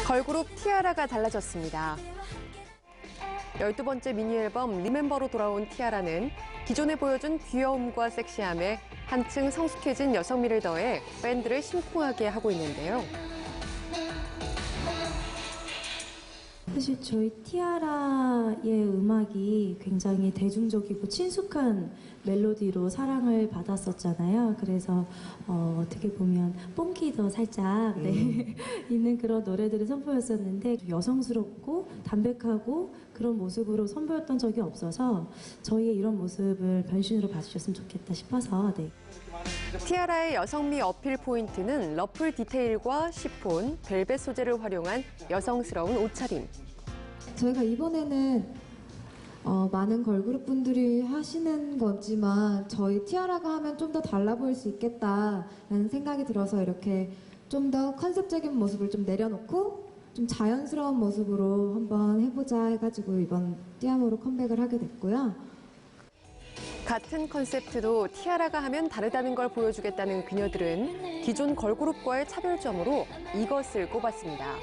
걸그룹 티아라가 달라졌습니다. 12번째 미니앨범 리멤버로 돌아온 티아라는 기존에 보여준 귀여움과 섹시함에 한층 성숙해진 여성미를 더해 팬들을 심쿵하게 하고 있는데요. 사실 저희 티아라의 음악이 굉장히 대중적이고 친숙한 멜로디로 사랑을 받았었잖아요. 그래서 어떻게 보면 뽕기도 살짝 있는 그런 노래들을 선보였었는데 여성스럽고 담백하고 그런 모습으로 선보였던 적이 없어서 저희의 이런 모습을 변신으로 봐주셨으면 좋겠다 싶어서 티아라의 여성미 어필 포인트는 러플 디테일과 시폰, 벨벳 소재를 활용한 여성스러운 옷차림. 저희가 이번에는 많은 걸그룹 분들이 하시는 거지만 저희 티아라가 하면 좀 더 달라 보일 수 있겠다라는 생각이 들어서 이렇게 좀 더 컨셉적인 모습을 좀 내려놓고 좀 자연스러운 모습으로 한번 해보자 해가지고 이번 띠아모로 컴백을 하게 됐고요. 같은 컨셉트도 티아라가 하면 다르다는 걸 보여주겠다는 그녀들은 기존 걸그룹과의 차별점으로 이것을 꼽았습니다.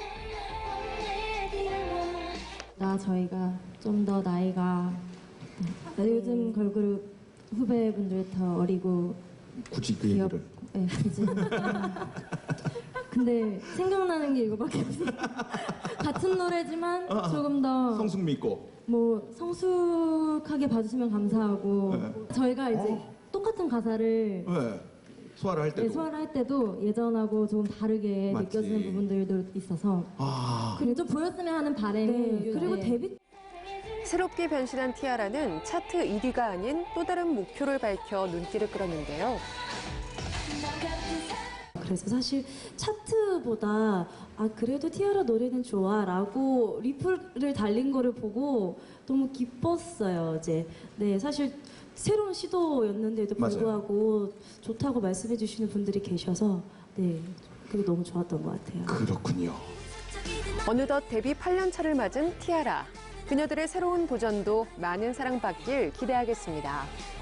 저희가 좀 더 나이가 요즘 걸그룹 후배분들 더 어리고 굳이 그 얘기를. 네, 굳이. 근데 생각나는 게 이거밖에 없어요. 같은 노래지만 조금 더 성숙미 있고. 뭐 성숙하게 봐주시면 감사하고 저희가 이제 똑같은 가사를 네. 소화를 할 때도. 소화를 할 때도 예전하고 조금 다르게 맞지. 느껴지는 부분들도 있어서 그리고 좀 보였으면 하는 바람이 그리고 데뷔 새롭게 변신한 티아라는 차트 1위가 아닌 또 다른 목표를 밝혀 눈길을 끌었는데요. 그래서 사실 차트보다 그래도 티아라 노래는 좋아 라고 리플을 달린 거를 보고 너무 기뻤어요. 이제 사실 새로운 시도였는데도 불구하고 맞아요. 좋다고 말씀해 주시는 분들이 계셔서 그게 너무 좋았던 것 같아요. 그렇군요. 어느덧 데뷔 8년 차를 맞은 티아라. 그녀들의 새로운 도전도 많은 사랑받길 기대하겠습니다.